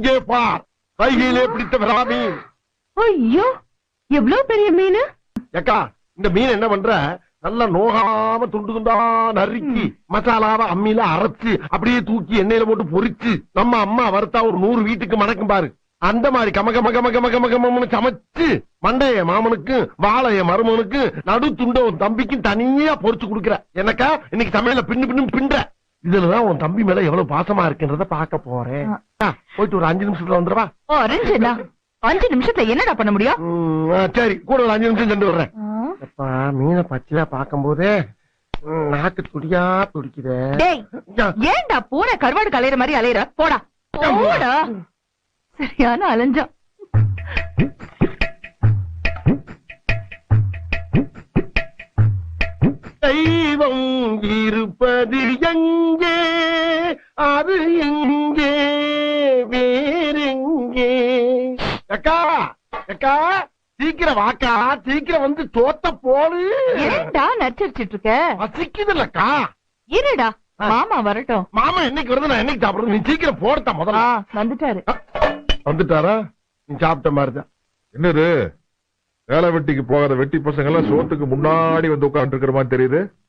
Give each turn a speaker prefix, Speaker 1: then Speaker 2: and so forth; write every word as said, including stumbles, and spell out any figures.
Speaker 1: இங்கே பார், கையிலே பிடித்த விரா மீன்.
Speaker 2: ஐயோ, எவ்வளவு பெரிய மீன்.
Speaker 1: ஏக்கா, இந்த மீன் என்ன பண்ற, நல்லா நோகாம துண்டு துண்டா நறுக்கி மசாலாவை அம்மியில அரைச்சு அப்படியே தூக்கி எண்ணெயில போட்டு பொரிச்சு நம்ம அம்மா வறுத்தா ஒரு நூறு வீட்டுக்கு மணக்கும் பாரு. அந்த மாதிரி கம கம கம கம கம கம சமைச்சு மண்டைய மாமனுக்கு வாழைய மருமனுக்கு நடு துண்ட உன் தம்பிக்கும் தனியா பொரிச்சு கொடுக்குற. எனக்கா இன்னைக்கு சமையல பின்னு பின்னு பின்ற. இதுலதான் உன் தம்பி மேல எவ்வளவு பாசமா இருக்குன்றத பாக்க போறேன். போயிட்டு ஒரு அஞ்சு நிமிஷத்துல வந்துருவா.
Speaker 2: அஞ்சு நிமிஷத்துல என்னடா பண்ண முடியும்?
Speaker 1: சரி, கூட ஒரு அஞ்சு நிமிஷம் சென்று வர்றேன். மீனை பச்சையா பாக்கும் போதே நாக்கு துடியா துடிக்குதே.
Speaker 2: ஏன்டா பூனை கருவாடு கலையிற மாதிரி அலையிற? போடா போடா. சரியான அலைஞ்சா.
Speaker 1: தெய்வம் இருப்பது எங்கே, அது எங்கே, வேறெங்கே? அக்கா அக்கா, சீக்கிரம் வாக்கா, சீக்கிரம் வந்து தோத்த போடு.
Speaker 2: ஏன்டா நச்சரிச்சிட்டு இருக்க?
Speaker 1: பசிக்குதுல்லக்கா.
Speaker 2: இருடா, மாமா வரட்டும்.
Speaker 1: மாமா என்னைக்கு வருது, நான் என்னைக்கு சாப்பிடுறது? நீ சீக்கிரம் போடுத்தா முதல்ல.
Speaker 2: வந்துட்டாரு.
Speaker 1: வந்துட்டாரா? நீ சாப்பிட்ட மாதிரிதான்.
Speaker 3: என்னது வேலை வெட்டிக்கு போகாத வெட்டி பசங்க எல்லாம் சோத்துக்கு முன்னாடி வந்து உட்கார்ந்து இருக்கிற மாதிரி தெரியுது.